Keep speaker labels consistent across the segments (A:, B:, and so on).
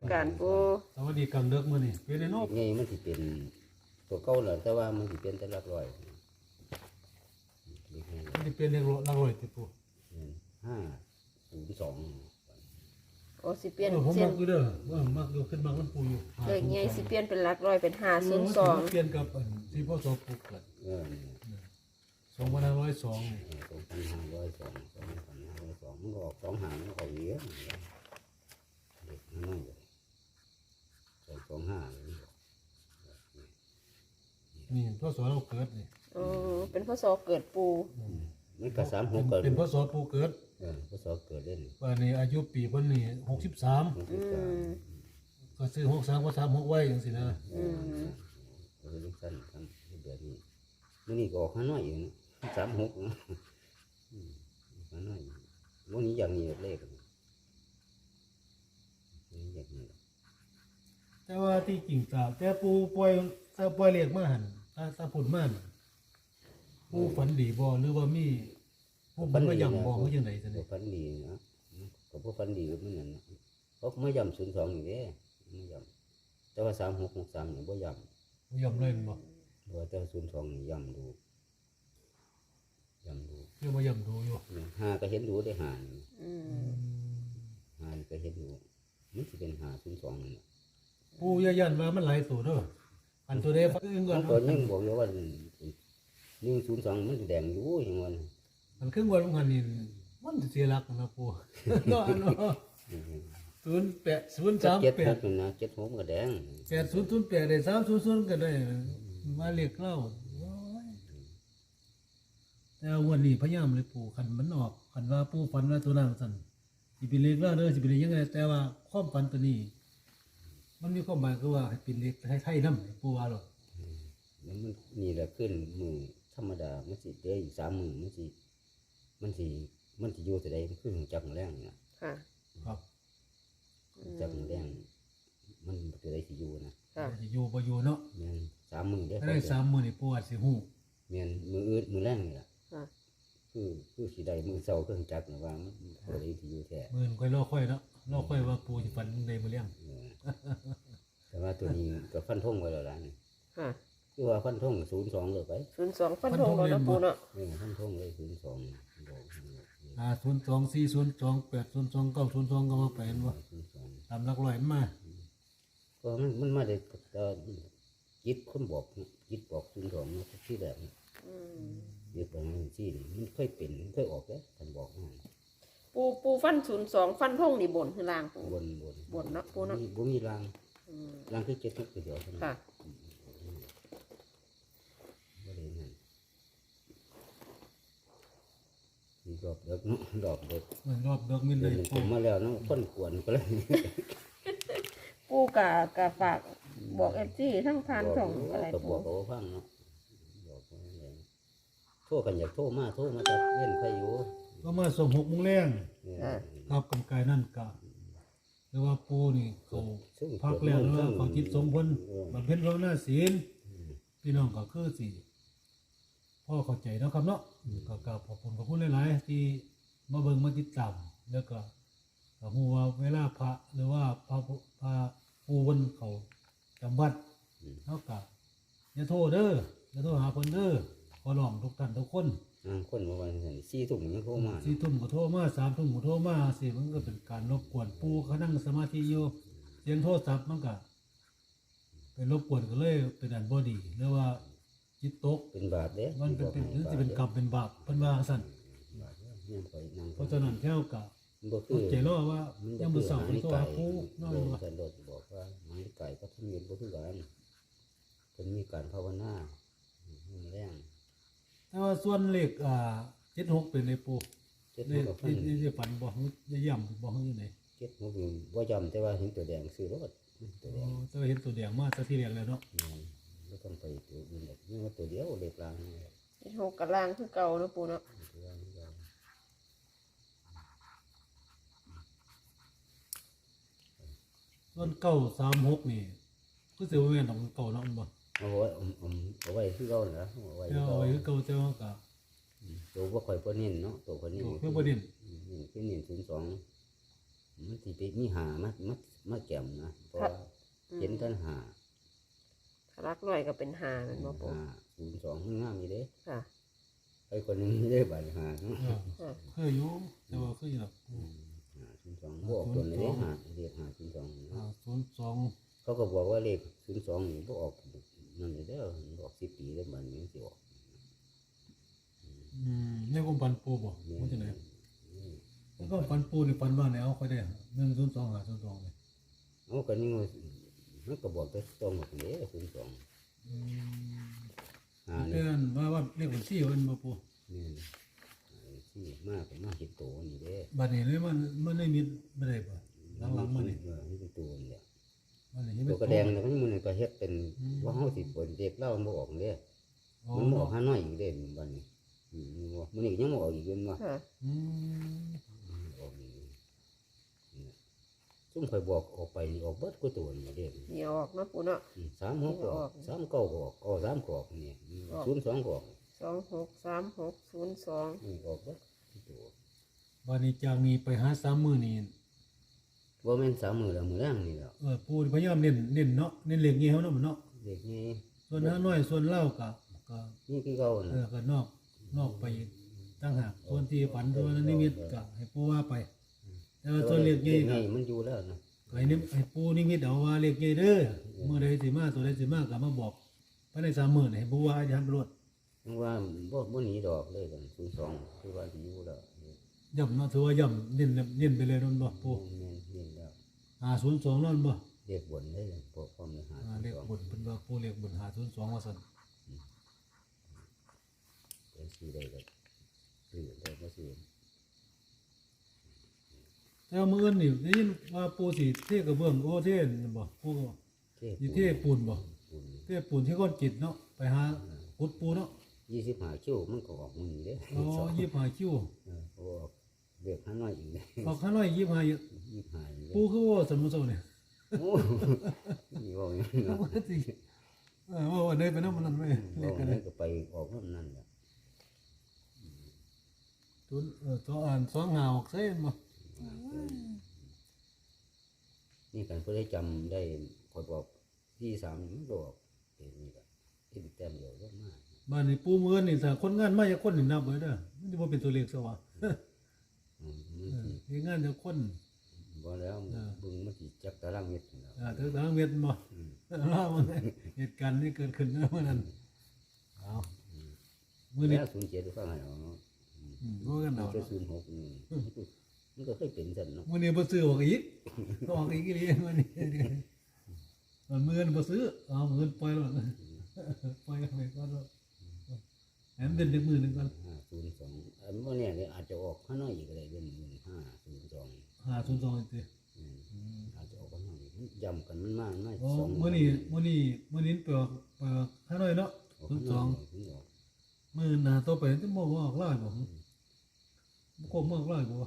A: การปู
B: สวัสดีกลางเดึกมื้อนี้เป็นไอ้นก
C: ไงมันสิเป็นตัวเก่าแหละแต่ว่ามันสิเป็นแต่หลักร้อยเลขไง
B: มันสิเป็นเลขหลักร้อยติปู
C: 502
A: โอ้สิเปลี่ยน
B: ผม
A: เส้
B: มัน กอยู่เด้อว่ามักอยู่ขึ้นมักมันปูอยู่
A: เลขใหญ่สิเปลี่ยนเป็นหลักร้อยเป็น502
B: เปลี่ยนกับอันที่พ่อสอบปลูกเกิด 2502นี่
C: 2502มันก็ออก2หางมันก็ออกเยอะเด็กน้อยเลย25
B: นี่พ่อสอเราเกิดนี่
A: อ๋อเป็นพศเกิดปู
C: มันก็36เกิด
B: เป็นพ่อสอปูเกิด
C: พศเกิดเล่น
B: ว่านี่อายุปีเพิ่นนี่63ก็ซื้อ63ก็36ไว้จังซี่นะ
C: ก็เลยสั้นทำแบบนี้นี่ก็ออกข้างน้อยอยู่นะ36นะข้างน้อยวันนี้อย่างนี้เลขนี่อย่างนี้
B: แต่ว่าที่จริงตาแต่ปูปล่อยเลขมาหั่นถ้าพูดมาหั่นปูฝันดีบ่หรือว่ามีผู้มันมาย่ำบ่คือจังได๋ซั่น
C: ก็
B: นี่
C: ฟันดีนะก็พวกฟันดีก็เหมือนกันนะเพราะไม่ย่ำ02อย่างนี้ไม่ย่ำแต่ว่า3663เนี่ยบ่ย่
B: ย่ำเลยบ่
C: ำเพราะแต่02นี่ย่ำดู
B: เรียกว่าย่ำดูอยู่
C: หาก็เห็นดูได้หา
B: อืม
C: หาก็เห็นดูมันสิเป็น502นี่
B: ปูอย่ายันว่ามันหลายตัวเด้ออันตัวใดฟังอื่นก่อน
C: ก็ยังบอกอยู่ว่า102มันแดงอยู่อย่างนั้น
B: มันครึ่งวันของมันนี่มันสิเสียหลักนะปู เนาะอันเนาะ08
C: 76
B: 038
C: นั่นนะ76ก็แดง
B: 8008ได้300ก็ได้มาเรียกเล่าโอ้ยแต่วันนี้พยายามเลยปูคันมันออกคันว่าปูฝันว่าตัวนั้นสั่นสิเป็นเลขเล่าเด้อสิเป็นเลขยังไงแต่ว่าความฝันตัวนี้ มันมีความหมายคือว่าให้เป็นเลขไทยๆนำปูว่าหรอก
C: แล้วมันนี่แหละขึ้นมือธรรมดามันสิเด้อีก3มื้อมันสิอยู่แต่ใดมันขึ้นจักแรงน่ะ
A: ค่ะ
B: ครับ
C: จักแรงมันจะได้สิอยู่นะ
A: ค่ะ
B: สิอยู่บ่อยู่เนาะ
C: แม่น3มื้อเด้อ
B: ถ้าได้3มื้อนี่ปูอาจสิฮู้
C: แม่นมื้ออื่นมื้อแรงนี่ล่ะ
A: ค่ะ
C: คือสิได้มื้อเช้าเครื่องจักรน่ะว่ามันบ่ได้สิอยู่แท้
B: มื้อค่อยรอค่อยเนาะรอค่อยว่าปูสิฝันในมื้อเลี้ยง
C: แต่ว่าตัวนี้ก็ฟันธงไว้แล้วล่ะนี่
A: ค่ะ
C: คือว่าฟันธง02เลยไป
A: 02ฟันธงแล้วนะปูเนาะ
C: ฟันธงเลย02บอก
B: 0240280290ก็มาไปเห็นบ่
C: 02
B: ตามหลักร้อยมันมา
C: ก็มันมาได้จิตคนบอกนะจิตบอก02นะที่แรกนะเดี๋ยวประมาณที่นี่มันเคยเป็นเคยออกแล้วท่านบอกมา
A: ปูฟัน02ฟันธงนี่บนคือล่างปู
C: บน
A: บนเนาะปูเนาะ
C: บ่มีรางรางคือ7ทุกเดียวเท่านั้น
A: ค่ะ
C: บ่ได้นั่นมีดอกเด็กเนาะดอกเด็ก
B: มันรอบเบิกมิน
C: เดิ
B: เลย
C: นผมมาแล้วเนาะคนกวนก็เลย
A: ปูกะฝากบอก FC ทั้งทานช่องอะไร
C: ก็บ
A: ปู
C: อกเขาฟังเนาะบอกเขาอย่างโทษกันอยากโทษมาจักเล่นใครอยู่
B: ก็มาส่ง6:00 นแรง
C: เนี่ย
B: ครับกำกายนั่นกะหรือว่าปูนี่เขาพักแล้วหรือว่าเขาจิตสมพลบำเพ็ญภาวนาศีลพี่น้องก็คือสิพ่อเข้าใจเนาะครับเนาะก็กราบขอบคุณหลายๆที่มาเบิ่งมาติดตามแล้วก็ฮู้ว่าเวลาพระหรือว่าพระปูเพิ่นเขาจำวัดเฮาก็อย่าโทษเด้ออย่าโทษหาเพิ่นเด้อขอร้องทุกท่านทุกคน
C: คนมาวันนี้4 ทุ่มยังโทรมา
B: 4 ทุ่มก็โทรมา3 ทุ่มก็โทรมาสิมันก็เป็นการรบกวนปูเขานั่งสมาธิอยู่เสียงโทรศัพท์มันก็เป็นรบกวนก็เลยเป็นอันบ่ดีหรือว่าจิตตก
C: เป็นบาปเด้
B: มันเป็นหรือสิเป็นกรรมเป็นบาปเพิ่นว่าซั่น
C: ยังไปนั่ง
B: เพราะฉะนั้นแค่ก็
C: บ่คื
B: เข้า
C: อ
B: ใจรอว่ายังบ่เศร้าเป็นตัวหาปูน้อย
C: บอก
B: ว่า
C: ท่านโดดบอกว่ามันไก่ก็ทุ่มเงินบ่คือกันเพิ่นมีการภาวนาแรง
B: แต่ว่าส่วนเลข76เป็นเลขปู
C: เจ็ด
B: เล
C: หัว
B: ข
C: กับฟัน
B: ที่ฝันบ่ฮู้จะย่ำบ่ฮู้อยู่ไหน
C: เจ็ดหัวอยู่บ่จำแต่ว่าเห็นตัวแดงซื้อรถตัวแดง
B: แต่ว่าเห็นตัวแดงมาซะที่แรกแล้วเนาะ
C: ไม่ต้องไปตัวอื่นหรอกนี่ว่าตัวเดียวเล็กลางนี่
A: 76กับล่างคือเก่าเนาะปูเนาะ
C: ตัวล่างนี่เรา
B: ส่วน936นี่คือสิว่าแม่นของเก่าเนาะมันบ่
C: เอาไว้เอาไว้คือเราเหรอเอาไว้
B: เอาไว้คือเก่าแต่ว่าก็
C: ตัวว่าข่อยบ่เน้นเนาะตัวข่อยเน้น
B: เพื่อประเด็น
C: นี่คือเน้น02มันสิไปมีหามาแก้มนะเพราะว่าเห็นท่านหา
A: รักร้อยก็เป็นหาแมันบ่ปู
C: 502มันงามอยู่เด้
A: ค่ะ
C: ไอ้คนหนึงไม่ได้บัตรหาเนาะ
B: เคยอยู่แต่ว่าเคยอยู่หรอก
C: 502บวกตัวนี้หาเรียก502
B: 02
C: เขาก็บอกว่าเลข02นี่บ่ออกนั่นเลยเด้อออก10 ปีแล้วบัดนี้สิออก
B: ในความฝันปูบ่มันจะไหนแล้วก็ฝันปูนี่ฝันว่าไหนเอาค่อยได้102 502เลย
C: เอากันนี่มันก็บอกแต่ตรงหมดเลย02
B: เดือนว่าเลขบัญชีมันบ่ปู
C: นี่ที่มากมากเห็นตัวนี่เด้
B: บัดนี้เลยมันได้มีบ่ได้บ่หลังๆมันนี่
C: นี่เป็นตัวนี่แหละ
B: มันนี่
C: ตัวกระแดงแล้วมันก็เฮ็ดเป็นว่าเฮาสิเปิดเด็กเล่ามันบ่ออกเด้มันบ่ออกหาน้อยอีกเด้บัดนี้มันนี่ยังบ่ออกอีกเด้ว่า
A: ค่ะ
C: ออกอีกซุ่มข่อยบอกออกไปนี่ออกเบิดกูตัวนี่เด้
A: นี่ออกเนาะปูเนาะ
C: 36ก็ออก39ก็ออก3ก็ออกนี่02ก็ออก
A: 263602
C: นี่ออกเบิดตัว
B: บัดนี้จากนี้ไปหา3มื้อนี่
C: บ่แม่น3มื้อแล้วมื้อแรงนี่แล้ว
B: ปูพยายามเน้นเนาะเน้นเลขนี้เฮาเนาะมันเนาะ
C: เด็กนี่
B: ส่วนหาน้อยส่วนเล่าก็
C: นี่คือเก่าน่ะ
B: ก็นอกไปตั้งหากส่วนที่ฝันส่วนนิมิตก็ให้ปูว่าไปแต่ว่าส่วนเลขใหญ่ก็
C: มันอยู่แล้วนะ
B: ให้ปูนิมิตเอาว่าเลขใหญ่เด้อมื้อใดสิมาตัวใดสิมาก็มาบอกภายใน3มื้อนี่ให้ปูว่าอาจารย์ไปรวด
C: ว่าบ่หนีดอกเลยกัน02คือว่าสิอยู่แล้ว
B: ย่ำเนาะถือว่าย่ำเน้นไปเลยนั่นบ่ปู
C: แม่นเรียนแล้ว
B: 502นั่นบ่
C: เรียกบนได้เลยพวกความเลยหา
B: เลขบุญเป็นว่าปูเลขบุญ502ว่าซั่น
C: เป็นสิได้ก็ซื้อได้บ่ซื้อ
B: แต่ว่ามื้ออื่นนี่ได้ยินว่าปูสิเทกระเบื้องโอเทนบ่ปูก็
C: เท่
B: สิเทปูนบ่
C: ปุ่น
B: เทปูนที่ก้อนจิตเนาะไปหาขุดปูเนาะ
C: 25คิวมันก็ออกมื้อนี้เด้
B: อ๋อ25คิว
C: โอ้เรียกหาน้อยอีกเด้
B: ออกข้างน้อย25อยู่
C: 25
B: ปูคือว่าสมุทรสาครเนี่ย
C: โอ้นี่ว่าอย่างนั้น
B: ว่าสิว่าวันใดไปนำมันนั่นไว้เลขกัน
C: นั่นก็ไปออกนั่นแหละ
B: ตุนตัวอ่าน2หาออกใส่บ่
C: นี่กันเพื่อได้จำได้คอยบอก23มันบอกนี่ก็ที่แต้มเดียวก็มาก
B: บ้านนี่ปูมื้อนี่ถ้าคนงานมาจักคนนี่นับไว้เด้อมันสิบ่เป็นตัวเลขซะว่าเฮ็ดงานจักคน
C: บ่แล้วบึงมันสิจักตารางเมตรแล้ว
B: ถึงทางเวียดบ่เล่ามันเหตุการณ์นี้เกิดขึ้นเมื่อนั้นเอามื้อนี้
C: แล้ว07ฟังให้เอาเนาะ
B: รู้กันเอา
C: ก็06นี่มันก็เคยเป็นซั่นเนาะ
B: มื้อนี้บ่ซื้อออกอีกอีหลีมื้อนี้มันมื้อนี้บ่ซื้อเอามื้อปล่อยแล้วปล่อยไปก่อนแหมเป็นมื้อนึงก่อน
C: 502อันบ่เนี่ยอาจจะออกข้างนอกอีกก็ได้เดือน502
B: 502อีกติ
C: อาจจะออกข้างนอกอีกย้ำกันมันมากน้อย
B: อ๋อ
C: 2
B: มื้อนี้ไปออกหาหน่อยเนาะ02มื้อหน้าต่อไปจะบ่ออกหลายบ่บ่ครบออกหลายบ่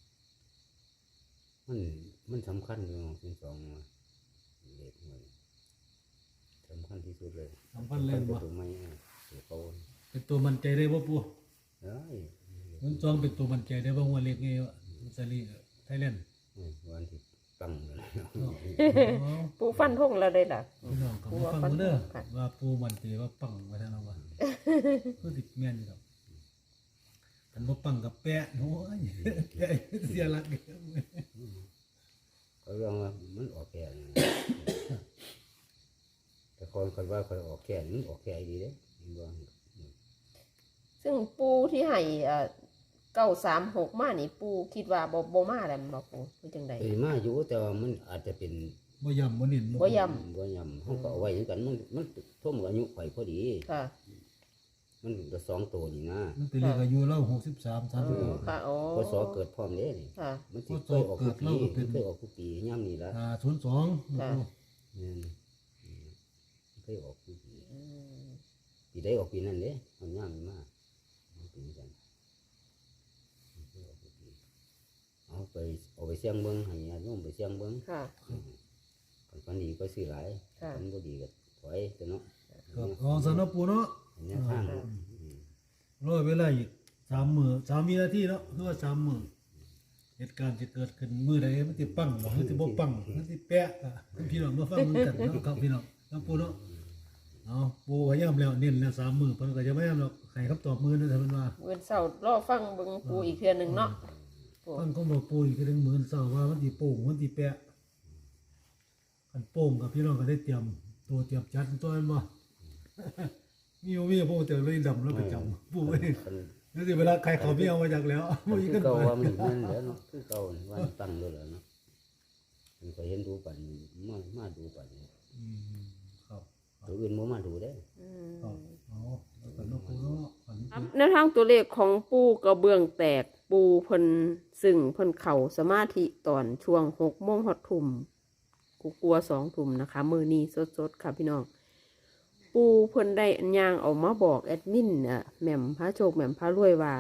C: มันสำคัญอยู่02ว่าเลขมันสำคัญที่สุดเลย
B: สำคัญแรงบ่
C: ตัวไม่เขา
B: เป็นตัวมั่นใจได้บ่ปู่
C: เอ้ย
B: 02เป็นตัวมั่นใจได้บ่ว่าเลขนี้ซาลีไทยแลนด์
C: วันที่ตั้งเลย
A: ปูฟันธงแล้วได้ล่ะ
B: พี่น้องก็มาฟังเด้อว่าปู่มั่นใจว่าปังว่าซั่นเนาะว่าคือสิแม่นอยู่ดอกคันบ่ปังก็แปะโอ้ยแปะเสียหลัก
C: เขาเรื่องว่ามันออกแก่แต่คนว่าเขาออกแก่มันออกแก่ดีเด้ว่า
A: ซึ่งปูที่ให้936มานี่ปูคิดว่าบ่มาแล้วบ่ปูเป็นจังได๋
C: เป็นมาอยู่แต่ว่ามันอาจจะเป็น
B: บ่ย่ำบ่เน้น
A: บ่ย้
C: บ่ยำเขาก็เอาไว้กันมันท่วมอายุไข่พอดี
A: ค่ะ
C: มันก็2ตัวนี่นะ
B: มันเป็นเลขอายุเรา63 36
A: ค่ะอ๋อ
C: พศเกิดพร้อมเด้นี่
A: ค่ะ
C: มันสิเคยออกทุกปีเคยออกทุกปีย่ำนี่ละ
B: 502
A: ค่ะ
C: เนี่ยเคยออกทุกปีปีได้ออกปีนั้นเด้มันย่ำมากมันเป็นกันเคยออกทุกปีเอาไปเสี่ยงเบิ้งให้ญาติโยมไปเสี่ยงเบิ้ง
A: ค่ะ
C: คันดีก็ซื้อหลาย
A: ค่ะ
C: คันบ่ดีก็ถอยตัวเนาะ
B: ครับของสนปูเนาะ
C: เนี่ยทาง
B: รอเวลาอีก3 มื้อ3วินาทีเนาะคือว่า3 มื้อเหตุการณ์จะเกิดขึ้นมื้อใดมันสิปังบ่มันสิบ่ปังมันสิแปะอ่ะพี่น้องมาฟังเหมือนกันเนาะครับพี่น้องน้ำปูเนาะเอาปูก็ย้ำแล้วเน้นแล้ว3มื้อเพิ่นก็จะไม่ย้ำหรอกให้คำตอบมื้อนึงถ้าเพิ่นว่า
A: เว้นเสาร์รอฟังเบิ่งปูอีกเทื่อหนึงเนาะปู
B: ฟังของบ่ปูอีกถึงมื้อเช้าว่ามันสิโป่งมันสิแปะคันโป่งกับพี่น้องก็ได้เตรียมตัวเตรียมจัดตัวนั้นบ่ มีปูเตอเลยดำแล้วประจำปูเอ้ย
C: คัน
B: นั่นสิเวลาใครเขาไม่เอามาจากแล้วบ่มี
C: คื
B: กั
C: อน เก่า
B: ไป
C: ว่ามันนั่นแหล้วเนาะคือเก่าว่าตั้งด้วยแล้วเนาะมันก็เห็นดูปันมาดูปัน
B: ครับ
C: ตัวอื่นบ่มาดูได้
B: ครับเอาแล้วกันเนาะปูเนาะอันนี้
A: แนวทางตัวเลขของปูกระเบื้องแตกปูเพิ่นซึ่งเพิ่นเข่าสมาธิตอนช่วง6 โมงฮอดทุ่มกูกลัว2 ทุ่มนะคะมื้อนี้สดๆค่ะพี่น้องปูเพิ่นได้ย่างออกมาบอกแอดมินแหม่มพระโชคแหม่มพระรวยว่า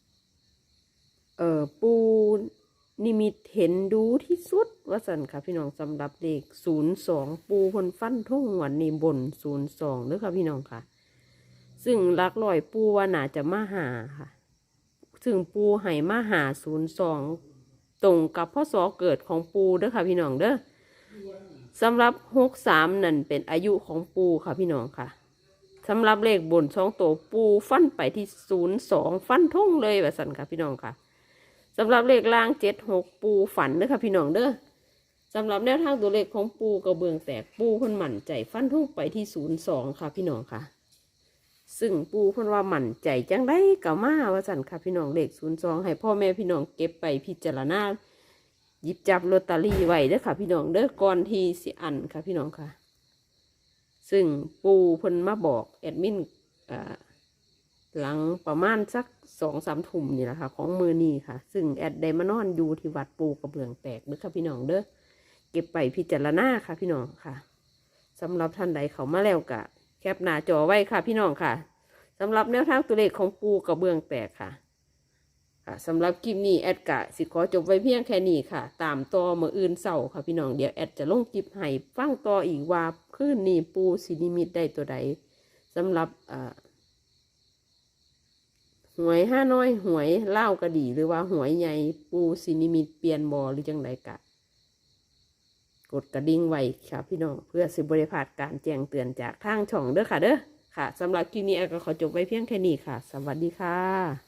A: ปูนิมิตเห็นดูที่สุดว่าสันค่ะพี่น้องสำหรับเลข02ปูเพิ่นฟันทุ่งวันนี้บน02เด้อค่ะพี่น้องค่ะ ซึ่งหลักร้อยปูว่าน่าจะมาหาค่ะ ซึ่งปูให้มาหา02ตรงกับพศเกิดของปูเด้อค่ะพี่น้องเด้อสำหรับ63นั่นเป็นอายุของปูค่ะพี่น้องค่ะสำหรับเลขบน2ตัวปูฟันไปที่02ฟันทงเลยว่าสั่นค่ะพี่น้องค่ะสำหรับเลขล่าง76ปูฝันเด้อค่ะพี่น้องเด้อสำหรับแนวทางตัวเลขของปูกระเบื้องแตกปูเพิ่นมั่นใจฟันทงไปที่02ค่ะพี่น้องค่ะซึ่งปูเพิ่นว่ามั่นใจจังได้ก็มาว่าสั่นค่ะพี่น้องเลข02ให้พ่อแม่พี่น้องเก็บไปพิจารณาหยิบจับลอตเตอรี่ไว้เด้อค่ะพี่น้องเด้อก่อนที่สิอันค่ะพี่น้องค่ะซึ่งปูเพิ่นมาบอกแอดมินหลังประมาณสัก2-3 ทุ่มนี่แหละค่ะของมือนี้ค่ะซึ่งแอดได้มานอนอยู่ที่วัดปูกระเบื้องแตกเด้อค่ะพี่น้องเด้อเก็บไปพิจารณาค่ะพี่น้องค่ะสำหรับท่านใดเขามาแล้วกะแคปหน้าจอไว้ค่ะพี่น้องค่ะสำหรับแนวทางตัวเลขของปูกระเบื้องแตกค่ะสำหรับคลิปนี้แอดกะสิขอจบไว้เพียงแค่นี้ค่ะตามต่อมื้ออื่นเช้าค่ะพี่น้องเดี๋ยวแอดจะลงคลิปให้ฟังต่ออีกว่าคืนนี้ปูสินิมิตได้ตัวใดสำหรับหวย5 น้อยหวยเล่าวก็ดีหรือว่าหวยใหญ่ปูสินิมิตเปลี่ยนบ่หรือจังไดกะกดกระดิ่งไว้ค่ะพี่น้องเพื่อสิบ่ได้พลาดการแจ้งเตือนจากทางช่องเด้อค่ะเด้อค่ะสำหรับคลิปนี้แอดก็ขอจบไว้เพียงแค่นี้ค่ะสวัสดีค่ะ